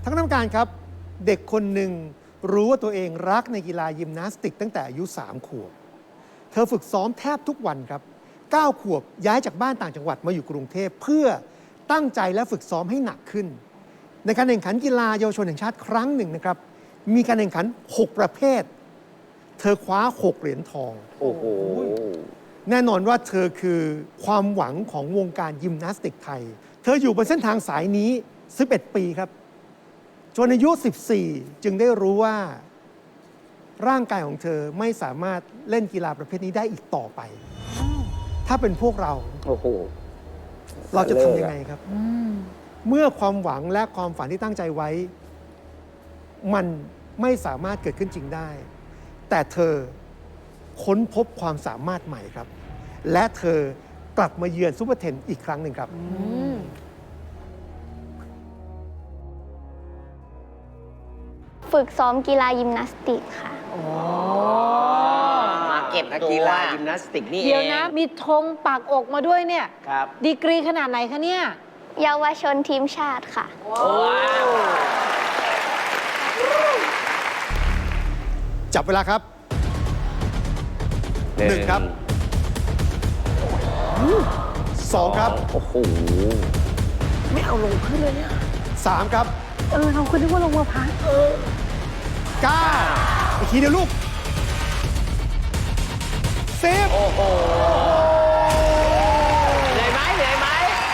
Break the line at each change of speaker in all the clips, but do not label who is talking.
ทั้งน้ำการครับเด็กคนหนึ่งรู้ว่าตัวเองรักในกีฬายิมนาสติกตั้งแต่อายุ3 ขวบเธอฝึกซ้อมแทบทุกวันครับ9 ขวบย้ายจากบ้านต่างจังหวัดมาอยู่กรุงเทพเพื่อตั้งใจและฝึกซ้อมให้หนักขึ้นในการแข่งขันกีฬาเยาวชนแห่งชาติครั้งหนึ่งนะครับมีการแข่งขัน6 ประเภทเธอคว้า6 เหรียญทอง
โอ้โห
แน่นอนว่าเธอคือความหวังของวงการยิมนาสติกไทยเธออยู่บนเส้นทางสายนี้11 ปีครับจนอายุ14จึงได้รู้ว่าร่างกายของเธอไม่สามารถเล่นกีฬาประเภทนี้ได้อีกต่อไป ถ้าเป็นพวกเรา
โอ้โห
เราจะทำยังไงครับ เมื่อความหวังและความฝันที่ตั้งใจไว้ มันไม่สามารถเกิดขึ้นจริงได้ แต่เธอค้นพบความสามารถใหม่ครับ และเธอกลับมาเยือนซุปเปอร์เทนอีกครั้งหนึ่งครับ
ฝึกซ้อมกีฬายิมนาสติกค่ะ
มาเก็บนักกีฬายิมนาสติกนี่เอง
เดี๋ยวนะมีธงปักอกมาด้วยเนี่ย
ครับ
ดีกรีขนาดไหนคะเนี่ย
เยาวชนทีมชาติค่ะ
ว้าว
จับเวลาครับ 1 ครับ 2 ครับ
โอ้โห
ไม่เอาลงขึ้นเลยเนี่ย
3 ครับ
เราคุณนึกว่าลงมาพัก
9 อีกทีเดียวลูก10
โอ้โหเหนื่อยไหมเหนื่อยไหม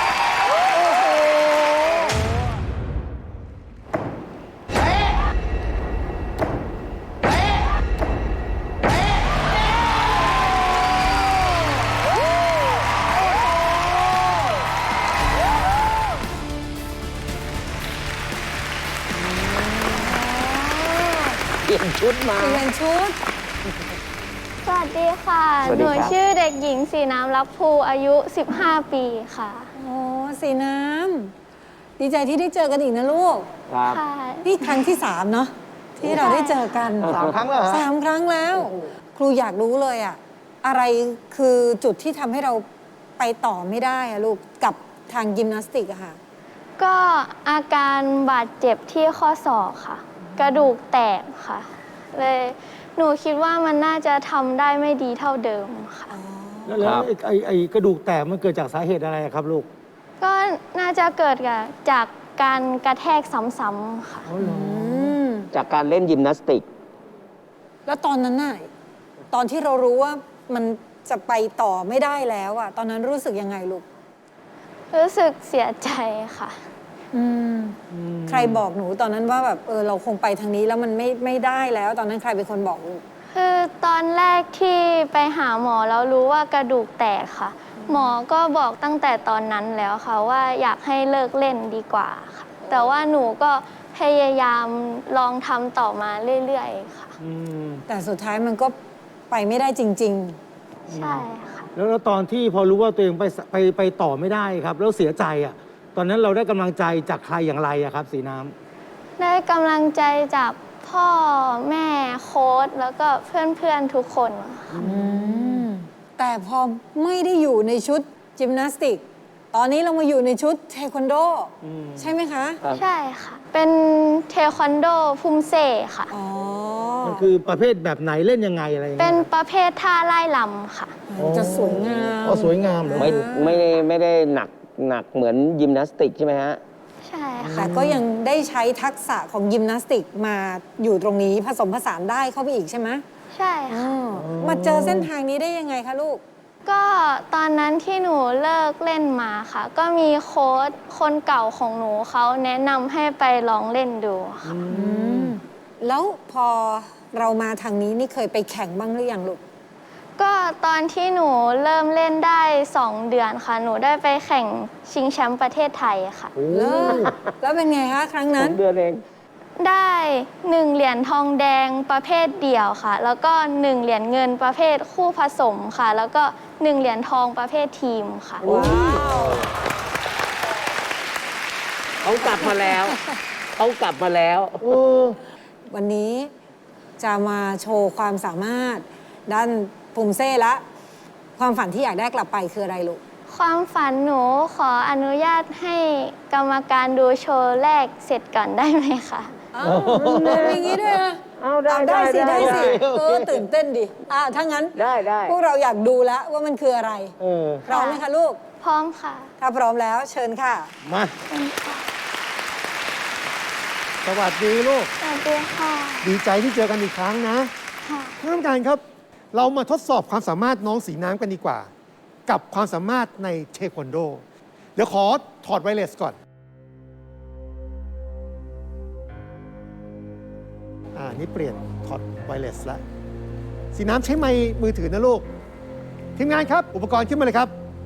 เปลี่ยนชุดมา
เปลี่ยนชุด
สวัสดีค่ะ
สวัส
ห
ดี
นู
ครับ
ชื่อเด็กหญิงสีน้ำรักภูอายุ 15 ปีค่ะ
โอ้สีน้ำ ดีใจที่ได้เจอกันอีกนะลูก
ครับ
ค่ะ
นี่ครั้งที่ 3 เนาะที่เราได้เจอกัน
3 ครั้งแล้วเหรอฮะ
3 ครั้งแล้ว ครูอยากรู้เลยอะอะไรคือจุดที่ทำให้เราไปต่อไม่ได้อะลูกกับทางยิมนาสติกอะค่ะ
ก็อาการบาดเจ็บที่ข้อศอกค่ะ กระดูกแตกค่ะ เลยหนูคิดว่ามันน่าจะทำได้ไม่ดีเท่าเดิมค่ะ
แล้วไอ้กระดูกแตกมันเกิดจากสาเหตุอะไรครับลูก
ก็น่าจะเกิดจากการกระแทกซ้ำๆค่ะ
จากการเล่นยิมนาสติก
แล้วตอนนั้นน่ะตอนที่เรารู้ว่ามันจะไปต่อไม่ได้แล้วอะตอนนั้นรู้สึกยังไงลูก
รู้สึกเสียใจค่ะ
ใครบอกหนูตอนนั้นว่าแบบเราคงไปทางนี้แล้วมันไม่ได้แล้ว ตอนนั้นใครเป็นคนบอกลูก
คือตอนแรกที่ไปหาหมอแล้วรู้ว่ากระดูกแตกค่ะ หมอก็บอกตั้งแต่ตอนนั้นแล้วค่ะว่าอยากให้เลิกเล่นดีกว่าค่ะ แต่ว่าหนูก็พยายามลองทำต่อมาเรื่อยๆค่ะ
แต่สุดท้ายมันก็ไปไม่ได้จริง
ใช่ค่ะ
แล้วตอนที่พอรู้ว่าตัวเองไปต่อไม่ได้ครับ แล้วเสียใจอ่ะตอนนั้นเราได้กำลังใจจากใครอย่างไรอะครับสีน้ำ
ได้กำลังใจจากพ่อแม่โค้ชแล้วก็เพื่อนๆทุกคนค่ะ
ๆ แต่พอไม่ได้อยู่ในชุดยิมนาสติก ตอนนี้เรามาอยู่ในชุดเทควันโดใช่ไหมคะ
ใช่ค่ะ เป็นเทควันโดภูมิเซค่ะ
อ๋อ
มันคือประเภทแบบไหนเล่นยังไงอะไรอย่าง
เป็
เงี้
น
ย
ประเภทท่าไล่ลำค่ะ
จะสวยงาม
อ๋อสวยงามเหรอ
ไม่ได้หนักเหมือนยิมนาสติกใช่ไหมฮะ
ใช่ค่ะ
แต่ก็ยังได้ใช้ทักษะของยิมนาสติกมาอยู่ตรงนี้ผสมผสานได้เข้าไปอีกใช่ไหม
ใช่ค่ะ
มาเจอเส้นทางนี้ได้ยังไงคะลูก
ก็ตอนนั้นที่หนูเลิกเล่นมาค่ะ ก็มีโค้ชคนเก่าของหนูเขาแนะนำให้ไปลองเล่นดูค่ะ
แล้วพอเรามาทางนี้นี่เคยไปแข่งบ้างหรือยังลูก
ก็ตอนที่หนูเริ่มเล่นได้ 2 เดือนค่ะ หนูได้ไปแข่งชิงแชมป์ประเทศไทยค่ะ
แล้วเป็นไงคะครั้งนั้น
2 เดือนเอง
ได้1 เหรียญทองแดงประเภทเดี่ยวค่ะ แล้วก็1 เหรียญเงินประเภทคู่ผสมค่ะ แล้วก็1 เหรียญทองประเภททีมค่ะ
ว้าว
เขากลับมาแล้ว เขากลับมาแล้ว
วันนี้จะมาโชว์ความสามารถด้านภูมิเซ่ละความฝันที่อยากได้กลับไปคืออะไรลูก
ขความฝันหนูขออนุญาตให้กรรมการดูโชว์แรกเสร็จก่อนได้ไหมคะ
อ้าวมันมีอย่างนี้ด้วยนะ
เอาได้
ได้สิ
ได้
ได้สิตื่นเต้นดิถ้างั้น
ได้
พวกเราอยากดูแล้วว่ามันคืออะไร พร้อมไหมคะลูก
พร้อมค่ะ
ถ้าพร้อมแล้วเชิญค่ะ
มา
สวัสดีลูก
สวัสดีค่ะ
ดีใจที่เจอกันอีกครั้งนะ
ค่ะ
ท่านผู้การครับ เรามาทดสอบความสามารถน้องสีน้ำกันดีกว่า กับความสามารถในเทควันโด เดี๋ยวขอถอดไวเลสก่อน นี่เปลี่ยนถอดไวเลสแล้วสีน้ำใช้ไมค์มือถือนะลูก ทีมงานครับ อุปกรณ์ขึ้นมาเลยครับ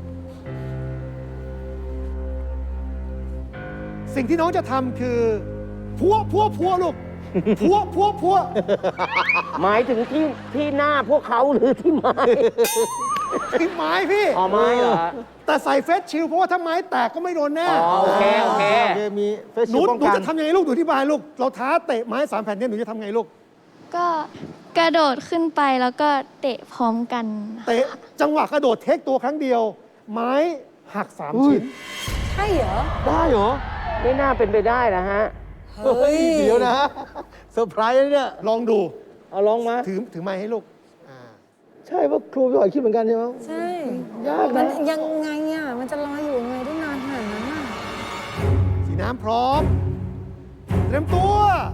สิ่งที่น้องจะทำคือพัวลูก พัว
หมายถึงที่หน้าพวกเขาหรือที่ไม้
ที่ไม้พี่
อ๋อไม้เหรอ
แต่ใส่เฟสชิลด์เพราะว่าถ้าไม้แตกก็ไม่โดนแน่
อ๋อโอเค
มีเฟซ
หนู
ชิลป้อง
หนู
กัน
จะทำยังไงลูกหนูที่บายลูก เราท้าเตะไม้3 แผ่นเนี่ยหนูจะทำไงลูก
ก็กระโดดขึ้นไปแล้วก็เตะพร้อมกัน
เตะจังหวะกระโดดเทคตัวครั้งเดียว ไม้หัก3 ชิ้น
ใช่เหรอ
ได้เหรอ
ไม่น่าเป็นไปได้นะฮะ
เฮ้ย
เดี๋ยวนะเซอร์ไพรส์นะเนี่ย
ลองดู
เอาลองมา
ถือไม้ให้ลูก
ใช่ว่าครูพี่หอยคิดเหมือนกันใช่ไหม
ใช่
ยาก
มั
นะ
นยังไงอ่ะ มันจะลอยอยู่ยังไงได้นานขนาดนั้นอ่ะ
สีน้ำพร้อม เตรียมตัว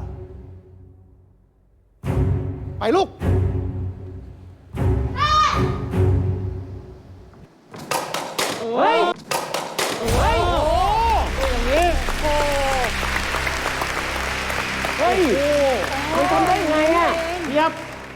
ไปลูก
เฮ้ย เฮ้ย
อย่างนี้
เฮ้ยมันทำได้ไงอ่ะ
เยียบ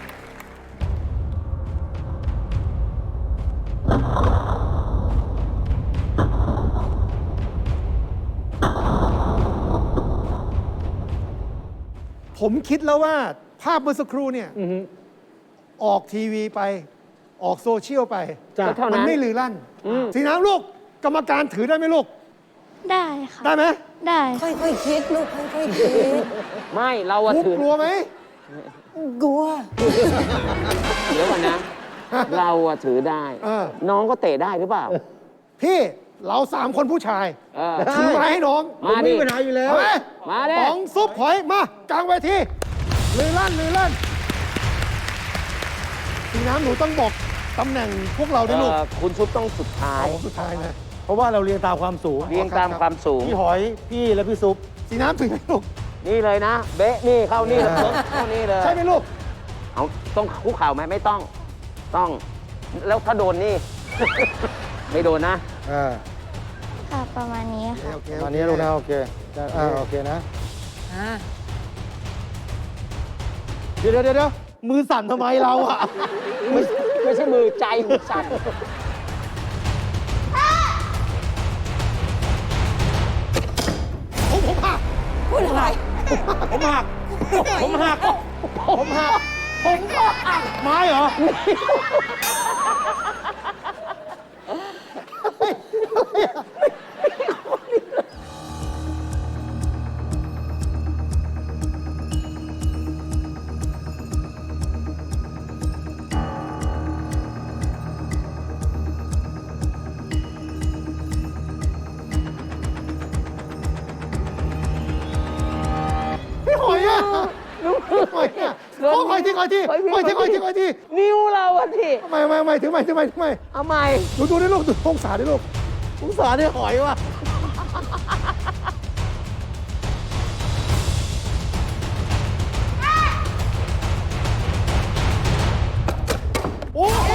ผมคิดแล้วว่าภาพเมื่อสักครู่เนี่ย ออกทีวีไป ออกโซเชียลไป
จ้ะ
ก็เท่านั้น
มันไม่ลือลั่น สีน้ำลูก กรรมการถือได้ไหมลูก
ได้ค่ะ
ได้ไหม
ได้
ค่อยๆคิดลูก ค่อยๆคิด
ไม่เราอะ
ลูก
ถือก
ลัวไหม
กลัว
เดี๋ยวก่อนนะ เราอะถือได้
เออ
น้องก็เตะได้หรือเปล่า
พี่เรา3 คนผู้ชาย
เออ
ถือไม้ให้น้อง
มา
ผม
ดิ
มีปัญหาอยู่แล้ว
เอาไหม
มาดิ
ป๋องซุปหอยมากลางเวทีลือลั่นสีน้ำหนูต้องบอกตำแหน่งพวกเราด้วยลูก
คุณชุบต้องสุดท้าย
เอาสุดท้ายนะ
เพราะว่าเราเรียงตามความสูง
เรียงตามความสูง
พี่หอย พี่และพี่ซุป
สีน้ำถือไหมลูก
นี่เลยนะ เบ๊ะนี่เข้านี่เลยปึ๊บเข้านี่เลย
ใช่ไหมลูก
เอาต้องคุกเข่าไหมไม่ต้อง ต้อง แล้วถ้าโดนนี่ ไม่โดนนะ
ค่ะ ประมาณนี้ค่ะ
โอเค
ตอนนี้ลูกนะโอเคโอเคนะ เดี๋ยวมือสั่นทำไมเราอ่ะ
ไม่ใช่มือใจสั่น
ผมหัก
พูดอะไร
ผมหัก ผมก็หัก ไม้เหรอ
พี่หอยอ่ะพี่หอยอ่ะขอที
นิ้วเราอะที
ไม่ถือไม่
เอาใหม่
ดูด้วยลูกดูองศาด้วยลูก
สงสารเนี่ยหอยว่ะ
โอเค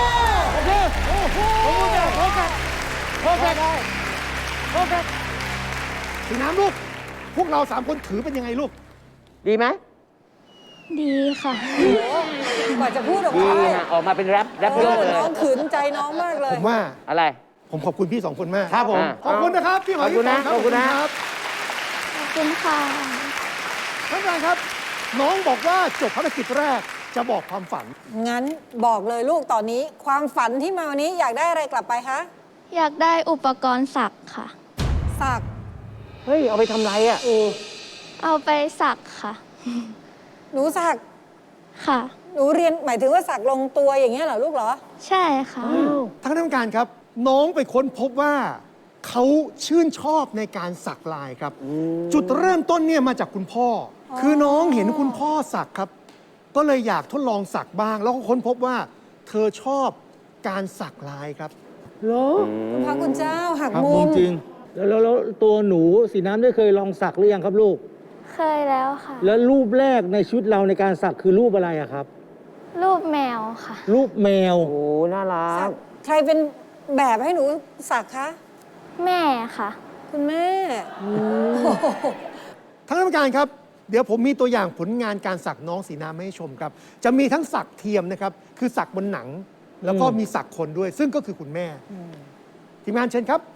สีน้ำลูก พวกเรา3 คนถือเป็นยังไงลูก
ดีไหม
ดีค่ะ
กว่าจะพูดออก
ดี
มาได้
ฮะออกมาเป็นแรปเยอะเลย
น้องขืนใจน้องมากเลย
ผมว่า
อะไร
ผมขอบคุณพี่2 คนมาก
ครับผม
ขอบคุณนะครับ พี่หอย
ขอบคุณนะ
พี่
ขอบคุณนะ
ครับ
ขอบคุณค่ะ
ท่านประธานครับ น้องบอกว่าจบภารกิจแรกจะบอกความฝัน
งั้นบอกเลยลูกตอนนี้ ความฝันที่มาวันนี้อยากได้อะไรกลับไปคะ
อยากได้อุปกรณ์สักค่ะ
สัก
เฮ้ย เอาไปทำไรอะ
เอาไปสักค่ะ
หนูสัก
ค่ะ
หนูเรียนหมายถึงว่าสักลงตัวอย่างเงี้ยเหรอลูกเหรอ
ใช่ค่ะ
ท่านกรรมการครับน้องไปค้นพบว่าเขาชื่นชอบในการสักลายครับ จุดเริ่มต้นเนี่ยมาจากคุณพ่ออคือน้องเห็นคุณพ่อสักครับ ก็เลยอยากทดลองสักบ้าง แล้วก็ค้นพบว่าเธอชอบการสักลายครับ
เหรอ
คุณพระคุณเจ้าหัก
ครับ
มุ
มุม
ม
จริงแล้วตัวหนูสีน้ำได้เคยลองสักหรือยังครับลูก
เคยแล้วค่ะ
แล้วรูปแรกในชีวิตเราในการสักคือรูปอะไรอะครับ
รูปแมวค่ะ
รูปแมว
โอ้ น่ารั
สั
ก
กใครเป็นแบบให้หนูสักคะ
แม่ค่ะ
คุณแม่
ท่านกรรมการครับ เดี๋ยวผมมีตัวอย่างผลงานการสักน้องสีน้ำมาให้ชมครับ จะมีทั้งสักเทียมนะครับ คือสักบนหนัง แล้วก็มีสักคนด้วย ซึ่งก็คือคุณแม่ ทีมงานเชิญครับ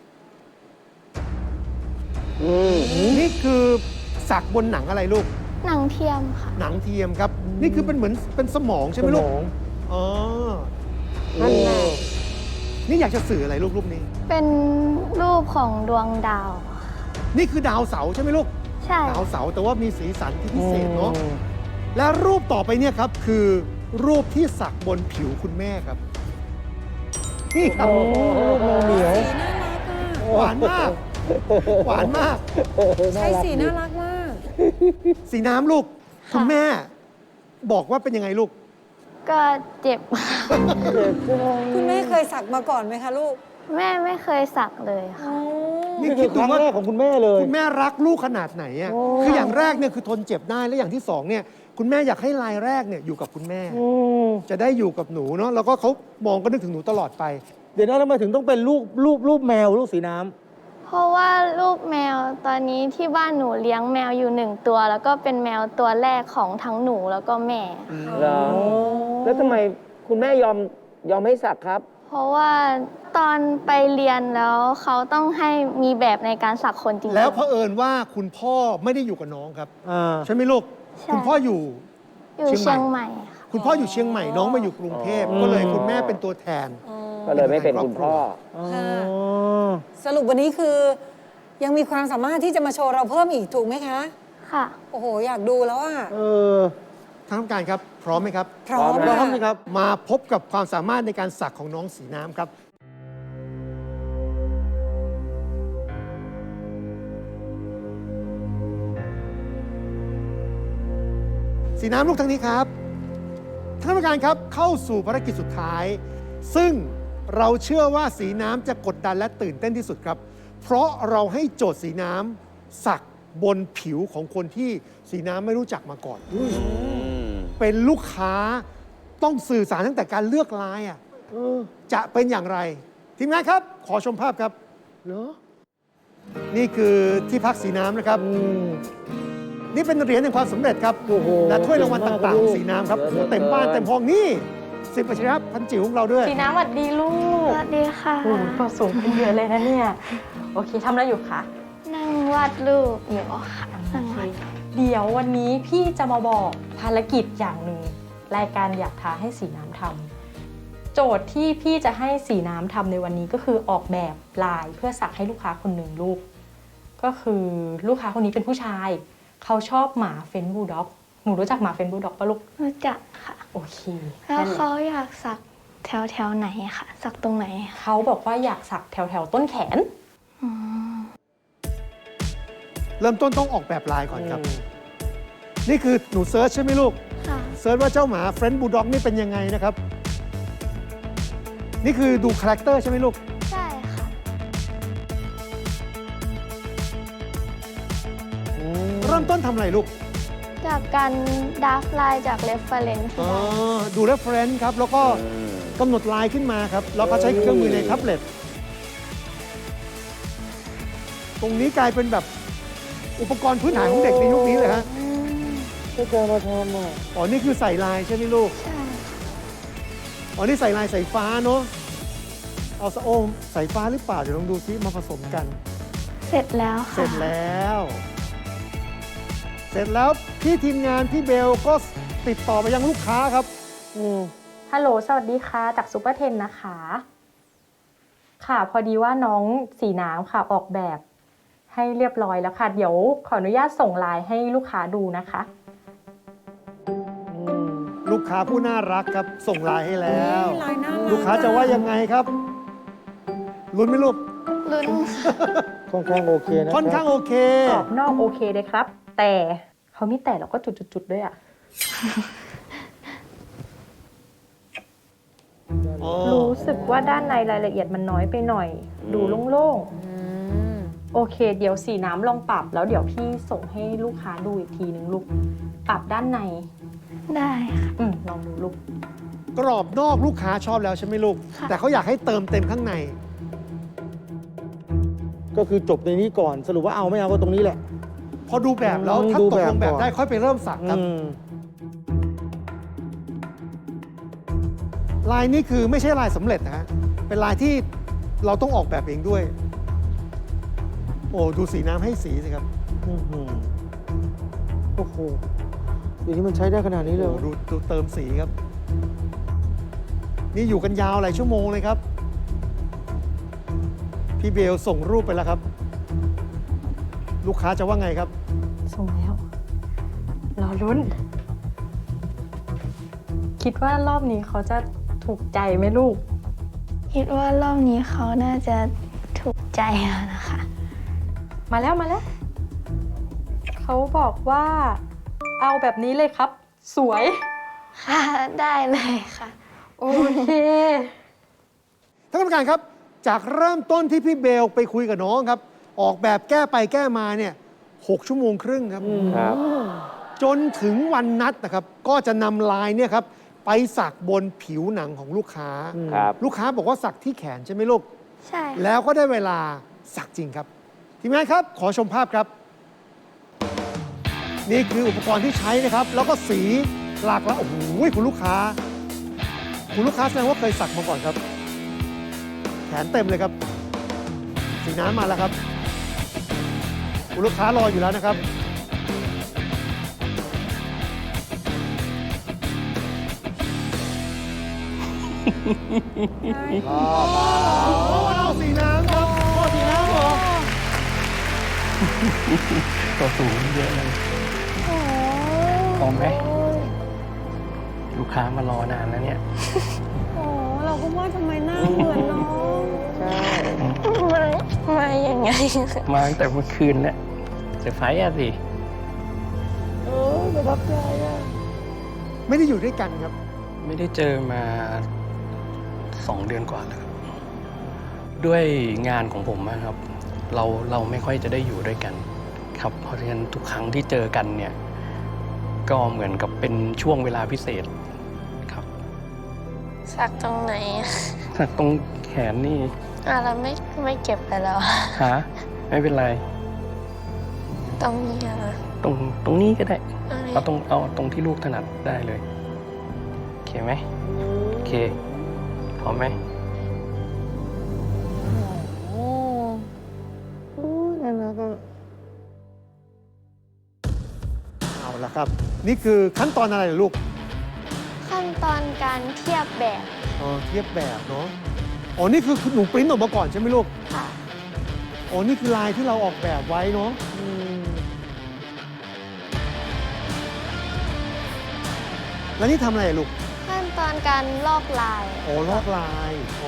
นี่คือสักบนหนังอะไรลูก
หนังเทียมค่ะ
หนังเทียมครับ นี่คือเป็นเหมือนเป็นสมองใช่ไหมลูก อ๋อ
นั่นไง
นี่อยากจะสื่ออะไรลูกรูปนี้
เป็นรูปของดวงดาวค่ะ
นี่คือดาวเสาร์ใช่ไหมลูก
ใช่
ดาวเสาร์แต่ว่ามีสีสันที่พิเศษเนาะ และรูปต่อไปเนี่ยครับ คือรูปที่สักบนผิวคุณแม่ครับ นี่ครับ
เหนียว
สีน่ารักอ่ะ
หวานมาก หวานมาก
ใช่สีน่ารักมาก
สีน้ำลูก คุณแม่ บอกว่าเป็นยังไงลูก
ก็เจ็บ
คุณแม่เคยสักมาก่อนไหมคะลูก
แม่ไม่เคยสักเลยค่ะ
นี่
นี่
คิ
คื
ด
อ
ดู
ครั้ง
ว่า
แรกของคุณแม่เลย
คุณแม่รักลูกขนาดไหนอ่ะ คืออย่างแรกเนี่ยคือทนเจ็บได้ และอย่างที่สองเนี่ย คุณแม่อยากให้ลายแรกเนี่ยอยู่กับคุณแม่ จะได้อยู่กับหนูเนาะ แล้วก็เขามองก็นึกถึงหนูตลอดไป
เดี๋ยวนะทำไมถึงต้องเป็นรูปแมวลูกสีน้ำ
เพราะว่ารูปแมวตอนนี้ที่บ้านหนูเลี้ยงแมวอยู่1 ตัว แล้วก็เป็นแมวตัวแรกของทั้งหนูแล้วก็แม่
เหรอ แล้วทำไมคุณแม่ยอมให้สักครับ
เพราะว่าตอนไปเรียนแล้วเขาต้องให้มีแบบในการสักคนจริงๆ
แล้วเผอิญว่าคุณพ่อไม่ได้อยู่กับน้องครับ ใช่ไหมลูก
ใช่
คุณพ่ออยู่
อยู่เชียงใหม่ค่ะ
คุณพ่ออยู่เชียงใหม่น้องมาอยู่กรุงเทพ ก็เลยคุณแม่เป็นตัวแทน
ก็เลยไม่เป็นคุณพ่อ
ค่ะ สรุปวันนี้คือ ยังมีความสามารถที่จะมาโชว์เราเพิ่มอีกถูกไหมคะ
ค่ะ
โอ้โห อยากดูแล้วอ่ะ
ท่านผู้การครับ พร้อมไหมครับ
พร้อม
พร้
พร้
ค่ะ
อมไหมครับ
มาพบกับความสามารถในการสักของน้องสีน้ำครับ สีน้ำลูกทางนี้ครับ ท่านผู้การครับเข้าสู่ภารกิจสุดท้าย ซึ่งเราเชื่อว่าสีน้ำจะกดดันและตื่นเต้นที่สุดครับ เพราะเราให้โจทย์สีน้ำสักบนผิวของคนที่สีน้ำไม่รู้จักมาก่อน เป็นลูกค้าต้องสื่อสารตั้งแต่การเลือกลายอ่ะจะเป็นอย่างไร ทีมงานครับ ขอชมภาพครับ
เหรอ
นี่คือที่พักสีน้ำนะครับ นี่เป็นเหรียญแห่งความสำเร็จครับ
โอ้โห
และถ้วยรางวัลต่างๆของสีน้ำครับ
เยอะเหลือเกิน
เต็มบ้านเต็มห้องนี่สิบอัจฉริยะพันจิ๋วของเราด้วย
สีน้ำสวัสดีลู
ส
ก
วัสดีค่ะ
โอ้โหตัวสูงขึ้นเยอะเลยนะเนี่ย โอเคทำอะไรอยู่คะ
นั่งวาดรูปอยู่ค่ะนั่งวาด
เดี๋ยววันนี้พี่จะมาบอกภารกิจอย่างหนึ่งรายการอยากท้าให้สีน้ำทำโจทย์ที่พี่จะให้สีน้ำทำในวันนี้ก็คือออกแบบลายเพื่อสักให้ลูกค้าคนหนึ่งลูก ก็คือลูกค้าคนนี้เป็นผู้ชาย เขาชอบหมาเฟนบูลด็อกหนูรู้จักหมาเฟนบูลด็อกปะลูก
รู้จักค่ะ
โอเค
แล้ว
นั่นหะ
เขาอยากสักแถวไหนค่ะ สักตรงไหนคะ
เขาบอกว่าอยากสักแถวต้นแขน
อ๋อ
เริ่มต้นต้องออกแบบลายก่อนครับ นี่คือหนูเซิร์ชใช่ไหมลูก
ค่ะ
เซิร์ชว่าเจ้าหมาเฟรนด์บูลด็อกนี่เป็นยังไงนะครับ นี่คือดูคาแรคเตอร์ใช่ไหมลูก
ใช่ค่ะ
เริ่มต้นทำอะไรลูก
จากการดราฟลายจากเรฟเฟรนซ์ที่
อ๋อ
ได้
ดู reference ครับ แล้วก็กำหนดลายขึ้นมาครับ แล้วก็ใช้เครื่องมือในแท็บเล็ต ตรงนี้กลายเป็นแบบอุปกรณ์พื้นฐานของเด็กในยุคนี้เลยฮะ
อืม
ก็จะมาทำอ่ะ
อ๋อ นี่คือใส่ลายใช่ไหมลูก
ใช่
อ๋อ นี่ใส่ลายสายฟ้าเนาะ เอาสะโอมสายฟ้าหรือเปล่า เดี๋ยวลองดูซิมาผสมกัน
เสร็จแล้วค่ะ
เสร็จแล้ว เสร็จแล้วพี่ทีมงานพี่เบลก็ติดต่อไปยังลูกค้าครับ
ฮัลโหล สวัสดีค่ะ จากซูเปอร์เทนนะคะ ค่ะ พอดีว่าน้องสีน้ำค่ะ ออกแบบให้เรียบร้อยแล้วค่ะ เดี๋ยวขออนุญาตส่งไลน์ให้ลูกค้าดูนะคะ
ลูกค้าผู้น่ารักครับ ส่งไลน์ให้แล้ว
ลายน่ารัก
ลูกค้าจะว่ายังไงครับลุ้นไหมลูก
ลุ้นค่ะ
ค่อนข้างโอเคนะ
ค่อนข้างโอเค
กรอบนอกโอเคเลยครับ แต่เขามีแต่แล้วก็จุดๆๆด้วยอ่ะ
อ๋อ
รู้สึกว่าด้านในรายละเอียดมันน้อยไปหน่อย ดูโล่งๆ โอเค เดี๋ยวสีน้ำลองปรับ แล้วเดี๋ยวพี่ส่งให้ลูกค้าดูอีกทีนึงลูก ปรับด้านใน
ได้ค่ะ
ลองดูลูก
กรอบนอกลูกค้าชอบแล้วใช่ไหมลูก
ค่ะ
แต่เขาอยากให้เติมเต็มข้างใน
ก็คือจบในนี้ก่อน สรุปว่าเอาไม่เอาก็ตรงนี้แหละ
พอดูแบบแล้วถ้า
ดู
ตกลง
แบ
แบบ บ
ก่อน
ได้ค่อยไปเริ่มสักครับ
อืม
ลายนี้คือไม่ใช่ลายสำเร็จนะฮะ เป็นลายที่เราต้องออกแบบเองด้วย โอ้ดูสีน้ำให้สีสิครับ
อื้อหือโอ้โหเดี๋ยวนี้มันใช้ได้ขนาดนี้เลย
โอ้ดูเติมสีครับ นี่อยู่กันยาวหลายชั่วโมงเลยครับ พี่เบลส่งรูปไปแล้วครับ ลูกค้าจะว่าไงครับ
ส่งแล้ว รอลุ้น คิดว่ารอบนี้เขาจะถูกใจไหมลูก
คิดว่ารอบนี้เขาน่าจะถูกใจแล้วนะคะ
มาแล้วมาแล้ว เขาบอกว่า เอาแบบนี้เลยครับ สวย
ค่ะ ได้เลยค่ะ
โอเค
ท่านกรรมการครับ จากเริ่มต้นที่พี่เบลไปคุยกับน้องครับ ออกแบบแก้ไปแก้มาเนี่ย6 ชั่วโมงครึ่งครับ
ครับ
จนถึงวันนัดนะครับ ก็จะนำลายเนี่ยครับไปสักบนผิวหนังของลูกค้า
ครับ
ลูกค้าบอกว่าสักที่แขนใช่ไหมลูก
ใช่ค่ะ
แล้วก็ได้เวลาสักจริงครับ ทีมงานครับ ขอชมภาพครับ นี่คืออุปกรณ์ที่ใช้นะครับ แล้วก็สีหลากหลายโอ้โหคุณลูกค้า คุณลูกค้าแสดงว่าเคยสักมาก่อนครับ แขนเต็มเลยครับ สีน้ำมาแล้วครับ คุณลูกค้ารออยู่แล้วนะครับ โอ้เอาสีน้ำครับโอ้สีน้ำเหรอ
ตัวสูงเยอะเลยพร้อมไหม ลูกค้ามารอนานแล้วเนี่ย
โอ้เราก็ว่าทำไมหน้าเหมือนน้อง
มาอย่างไง
มาตั้งแต่เมื่อคืนแล้วเซอร์ไพรส์อะสิ
ไม่ได้อยู่ด้วยกันครับ
ไม่ได้เจอมา2 เดือนกว่าแล้วครับ ด้วยงานของผมอะครับ เราไม่ค่อยจะได้อยู่ด้วยกัน ครับ เพราะฉะนั้นทุกครั้งที่เจอกันเนี่ย ก็เหมือนกับเป็นช่วงเวลาพิเศษครับ
สักตรงไหน
ตรงแขนนี่
แล้วไม่เก็บไปแล้ว
หาไม่เป็นไร
ตรงนี้อะ
ตรงนี้ก็ได้
ตรงนี้
เอาตรงที่ลูกถนัดได้เลย โอเคไหมโอเค พร้อมไหม
เอาละครับ นี่คือขั้นตอนอะไรเหรอลูก
ขั้นตอนการเทียบแบบ
อ๋อเทียบแบบเนาะ อ๋อ นี่คือหนูปริ้นออกมาก่อนใช่ไหมลูก
ค่ะ
อ๋อ นี่คือลายที่เราออกแบบไว้เนาะแล้วนี่ทำอะไรอะลูก
ขั้นตอนการลอกลาย
อ๋อ ลอกลาย อ๋อ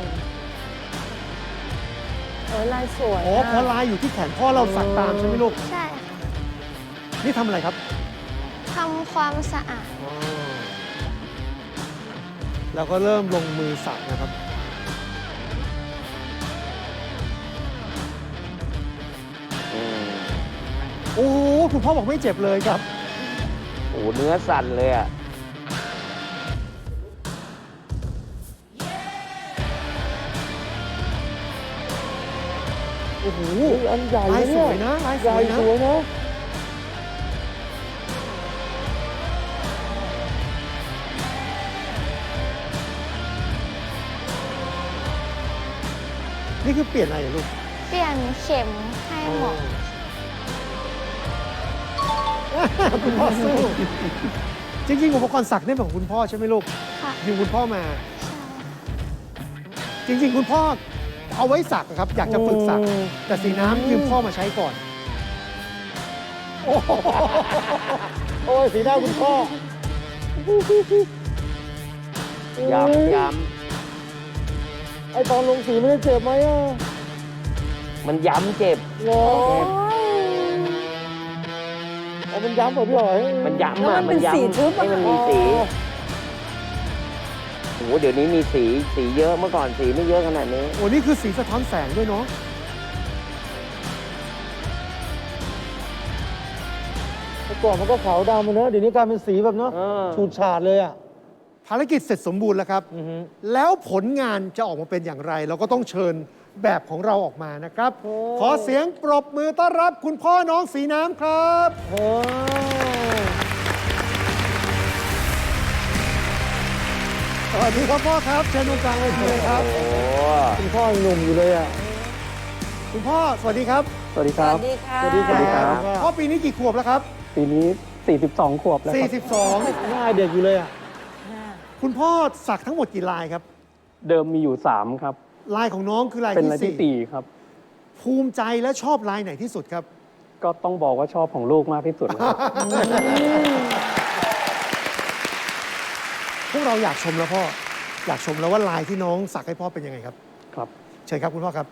ลายสวย
อ๋อเพราะลายอยู่ที่แขนพ่อเราสักตามใช่ไหมลูก
ใช่ค่ะ
นี่ทำอะไรครับ
ทำความสะอาด
อ๋อ แล้วก็เริ่มลงมือสักนะครับ โอ้โหคุณพ่อบอกไม่เจ็บเลยครับ
โอ้เนื้อสั่นเลยอ่ะ
โอ้โห
อันใหญ่
ลาย
เนี่
ส
ย
วยนะ ลายส
ใหญ่
วยนะ
สวยนะ
นี่คือเปลี่ยนอะไรอะลูก
เปลี่ยนเข็มให้หมอ
คุณพ่อสู้ จริงๆ อุปกรณ์สักนี่เป็นของคุณพ่อใช่ไหมลูก
ค่ะ
ยืมคุณพ่อมา
ใช่
จริงๆ คุณพ่อเอาไว้สักอะครับ อยากจะฝึกสัก
อืม
แต่สีน้ำยืมพ่อมาใช้ก่อน โอ้โห
โอ้ยสีหน้าคุณพ่อ
ย้ำ
ไอตอนลงสีไม่ได้เจ็บไหมอ่ะ
มันย้ำเจ็บ
เหรอเอามันย้ำเหรอพี่หอย
มันย้ำ
แล้ว
อ่ะ
มันเป็นสีทึบ
ให้มันมีสีโอ้โหเดี๋ยวนี้มีสีเยอะเมื่อก่อนสีไม่เยอะขนาดนี้
โอ้นี่คือสีสะท้อนแสงด้วยเนาะ
เมื่อก่อนมันก็ขาวดำมันเนอะเดี๋ยวนี้กลายเป็นสีแบบเนาะ
เออ
ฉูดฉาดเลยอ่ะ
ภารกิจเสร็จสมบูรณ์แล้วครับ
อือฮึ
แล้วผลงานจะออกมาเป็นอย่างไร เราก็ต้องเชิญแบบของเราออกมานะครับ ขอเสียงปรบมือต้อนรับคุณพ่อน้องสีน้ำครับ
โอ้
สวัสดีครับพ่อครับเชิญตรงกลางเลยทีเลยครับ
โอ้
คุณพ่อยังหนุ่มอยู่เลยอ่ะ
คุณพ่อสวัสดีครับ
สวัสดี
ส
ครับ
วัสดีค่ะ
สวัสดีครับ
พ่อปีนี้กี่ขวบแล้วครับ
ปีนี้ 42 ขวบแล้วครับ
42
หน้าเด็กอยู่เลยอ่ะ
คุณพ่อสักทั้งหมดกี่ลายครับ
เดิมมีอยู่ 3 ครับ
ลายของน้องคือลาย
เป็น
ที่
รายที่
สี่
4ครับ
ภูมิใจและชอบลายไหนที่สุดครับ
ก็ต้องบอกว่าชอบของลูกมากที่สุดครับ
พวกเราอยากชมแล้วพ่อ อยากชมแล้วว่าลายที่น้องสักให้พ่อเป็นยังไงครับ
ครับ
เชิญครับคุณพ่อครับ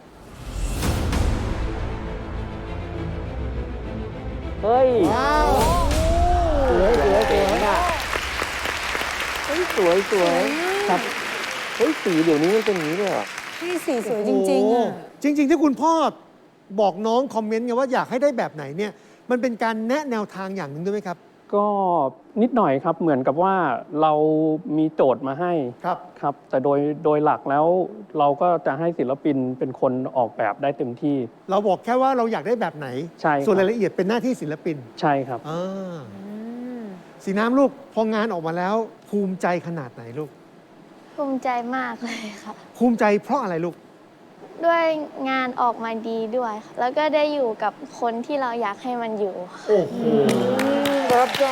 เฮ้ย
ว้าว
สวยสวยสวยอ่ะเฮ้ยสวยสวยครับเฮ้ยสีเดี๋ยวนี้มันเป็นอย่างนี้เลยเหรอ
ให้สีสวยจริงๆอ่ะ
จริง ๆ ที่คุณพ่อบอกน้องคอมเมนต์ไงว่าอยากให้ได้แบบไหนเนี่ย มันเป็นการแนะแนวทางอย่างหนึ่งด้วยไหมครับ
ก็นิดหน่อยครับเหมือนกับว่าเรามีโจทย์มาให้
ครับ
ครับ แต่โดยหลักแล้วเราก็จะให้ศิลปินเป็นคนออกแบบได้เต็มที่
เราบอกแค่ว่าเราอยากได้แบบไหน
ใช่ครับ
ส่วนรายละเอียดเป็นหน้าที่ศิลปิน
ใช่ครับ
อ่าสีน้ำลูกพองานออกมาแล้ว ภูมิใจขนาดไหนลูก
ภูมิใจมากเลยค่ะ
ภูมิใจเพราะอะไรลูก
ด้วยงานออกมาดีด้วยค่ะแล้วก็ได้อยู่กับคนที่เราอยากให้มันอยู่ค่ะ
โอ้โหรับใจ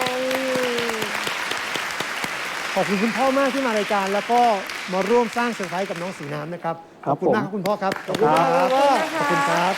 ขอบคุณคุณพ่อมากที่มารายการ แล้วก็มาร่วมสร้างเซอร์ไพรส์กับน้องสีน้ำนะครับ
ค
ข
รั
อ
บบ
คุณมากครับคุณพ่อครับ ขอบคุณมากครับ ขอบคุณครับ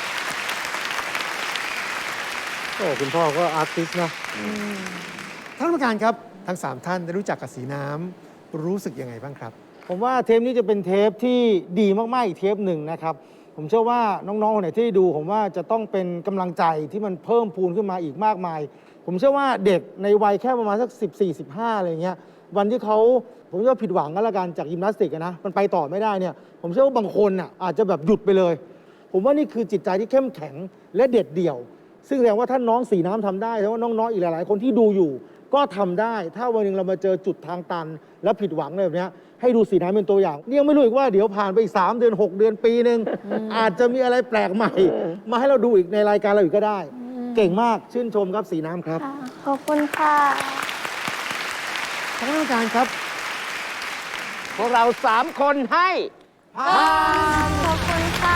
โอ้คุณพ่อก็อาร์ติสต์นะ
ท่านผู้การครับ ทั้ง 3 ท่านได้รู้จักกับสีน้ำรู้สึกยังไงบ้างครับ
ผมว่าเทปนี้จะเป็นเทปที่ดีมากๆอีกเทปหนึ่งนะครับ ผมเชื่อว่าน้องๆคนไหนที่ดูผมว่าจะต้องเป็นกำลังใจที่มันเพิ่มพูนขึ้นมาอีกมากมาย ผมเชื่อว่าเด็กในวัยแค่ประมาณสัก14-15อะไรเงี้ยวันที่เขาผมว่าผิดหวังกันละกันจากยิมนาสติกอะนะมันไปต่อไม่ได้เนี่ยผมเชื่อว่าบางคนอ่ะอาจจะแบบหยุดไปเลย ผมว่านี่คือจิตใจที่เข้มแข็งและเด็ดเดี่ยว ซึ่งแสดงว่าถ้าน้องสีน้ำทำได้แสดงว่าน้องๆอีกหลายๆคนที่ดูอยู่ ก็ทำได้ ถ้าวันหนึ่งเรามาเจอจุดทางตัน และผิดหวังอะไรแบบเนี้ยให้ดูสีน้ำเป็นตัวอย่างนี่ยังไม่รู้อีกว่าเดี๋ยวผ่านไปอีก3 เดือน 6 เดือนปีหนึ่งอาจจะมีอะไรแปลกใหม่ มาให้เราดูอีกในรายการเราอีกก็ได้ เก่งมากชื่นชมครับสีน้ำครับ
ค่ะขอบคุณค่ะ
ท่านผู้การครับ
พวกเรา 3 คนให้
ขอบคุณค่ะ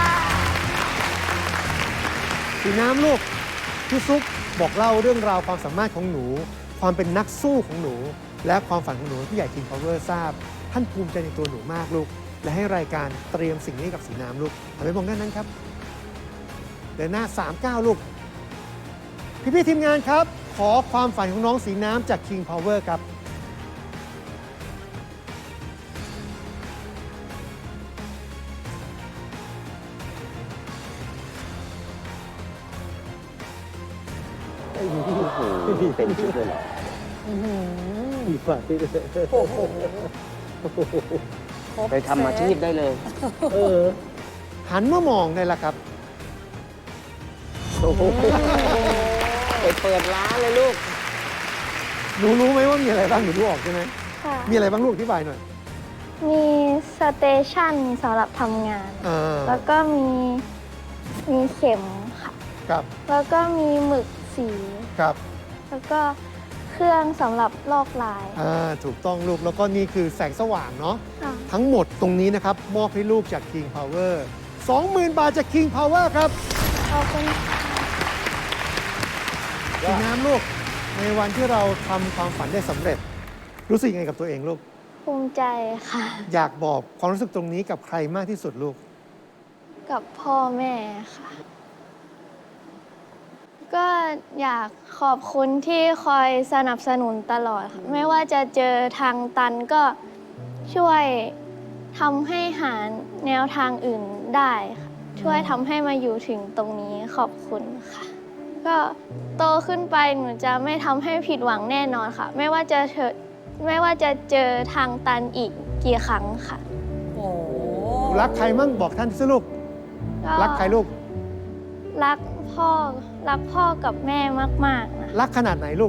สีน้ำลูกพี่ซุกบอกเล่าเรื่องราวความสามารถของหนู ความเป็นนักสู้ของหนู และความฝันของหนูที่ใหญ่ King Power ทราบ ท่านภูมิใจในตัวหนูมากลูก และให้รายการเตรียมสิ่งนี้กับสีน้ำลูกหันไปมองด้านนั้นครับเดินหน้า 39 ลูก พี่ๆทีมงานครับ ขอความฝันของน้องสีน้ำจาก King Power ครับ
เป็นชุดเลยเหรอ
ดีกว่าที่
โอ้โห
ไปทำอาชีพได้เลย
เออ
หันมามองได้แล้วครับ
ไปเปิดร้านเลยลูก
หนูรู้ไหมว่ามีอะไรบ้างหนูรู้ออกใช่ไหม
ค่ะ
มีอะไรบ้างลูกอธิบายหน่อย
มีสเตชันสำหรับทำงาน
อ่า
แล้วก็มีเข็มค่ะ
ครับ
แล้วก็มีหมึกสี
ครับ
แล้วก็เครื่องสำหรับลอกลาย
ถูกต้องลูก แล้วก็นี่คือแสงสว่างเนาะ
ค่ะ
ทั้งหมดตรงนี้นะครับ มอบให้ลูกจาก King Power 20,000 บาทจาก King Power ครับ
ขอบคุณค่ะ
สีน้ำลูก ในวันที่เราทำความฝันได้สำเร็จ รู้สึกยังไงกับตัวเองลูก
ภูมิใจค่ะ
อยากบอกความรู้สึกตรงนี้กับใครมากที่สุดลูก
กับพ่อแม่ค่ะ ก็อยากขอบคุณที่คอยสนับสนุนตลอดค่ะไม่ว่าจะเจอทางตันก็ช่วยทำให้หาแนวทางอื่นได้ค่ะช่วยทำให้มาอยู่ถึงตรงนี้ขอบคุณค่ะ ก็โตขึ้นไปหนูจะไม่ทำให้ผิดหวังแน่นอนค่ะ ไม่ว่าจะเจอทางตันอีกกี่ครั้งค่ะ
โอ้โห
รักใครมั่งบอกท่านสิลูก รักใครลูก
รักพ่อกับแม่มากๆนะ
รักขนาดไหนลูก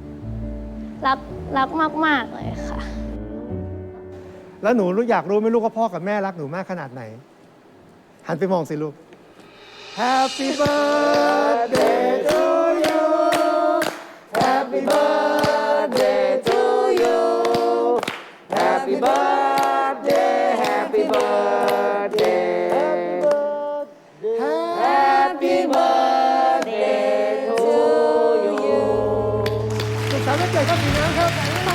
รักมากๆเลยค่ะ
แล้วหนูอยากรู้ไหมลูกว่าพ่อกับแม่รักหนูมากขนาดไหน หันไปมองสิลูก Happy birthday to you Happy birthday to you
Happy birthday Happy birthday Happy birthday to you
สุขสันต์วันเกิดครับสีน้ำครับ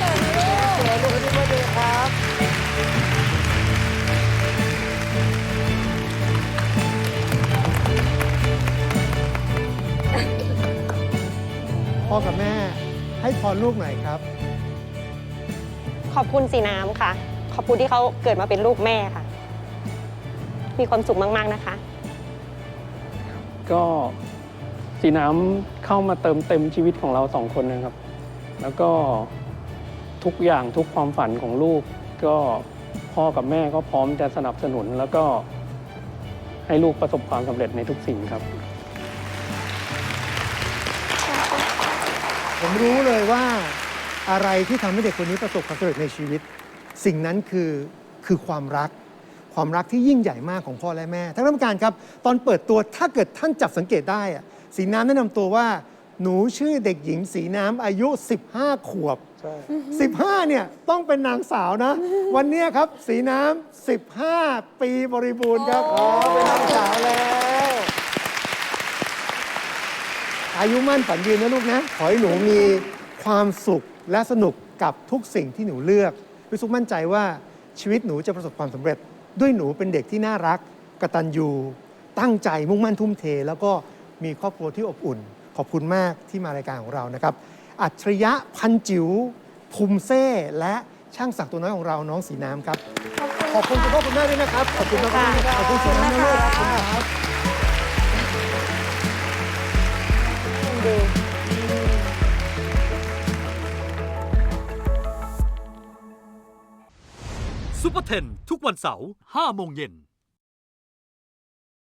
พ่อกับแม่ให้พรลูกหน่อยครับ
ขอบคุณสีน้ำค่ะ ขอบคุณที่เขาเกิดมาเป็นลูกแม่ค่ะ มีความสุขมาก ๆ นะคะ
ก็สีน้ำเข้ามาเติมเต็มชีวิตของเราสองคนนะครับ แล้วก็ทุกอย่างทุกความฝันของลูก ก็พ่อกับแม่ก็พร้อมจะสนับสนุน แล้วก็ให้ลูกประสบความสำเร็จในทุกสิ่งครับ
ผมรู้เลยว่าอะไรที่ทำให้เด็กคนนี้ประสบความสำเร็จในชีวิต สิ่งนั้นคือความรักที่ยิ่งใหญ่มากของพ่อและแม่ท่านผู้การครับ ตอนเปิดตัวถ้าเกิดท่านจับสังเกตได้อะสีน้ำแนะนำตัวว่าหนูชื่อเด็กหญิงสีน้ำอายุ 15 ขวบ 15 เนี่ยต้องเป็นนางสาวนะ วันนี้ครับสีน้ำ15 ปีบริบูรณ์ครับเป็นนางสาวแล้ว อายุมั่นฝันยืนนะลูกนะ ขอให้หนูมีความสุขและสนุกกับทุกสิ่งที่หนูเลือกพี่ซุกมั่นใจว่าชีวิตหนูจะประสบความสำเร็จ ด้วยหนูเป็นเด็กที่น่ารักกตัญญูตั้งใจมุ่งมั่นทุ่มเท แล้วก็มีครอบครัวที่อบอุ่น ขอบคุณมากที่มารายการของเรานะครับ อัจฉริยะพันจิ๋วภูมิเซ่และช่างศักดิ์ตัวน้อยของเราน้องสีน้ำครับ ขอบคุณคุณพ่อคุณแม่ด้วยนะครับ ขอบคุณมากๆขอบคุณสีน้ำนะลูกขอบคุณครับ
ซุปเปอร์เทนทุกวันเสาร์ 5 โมงเย็น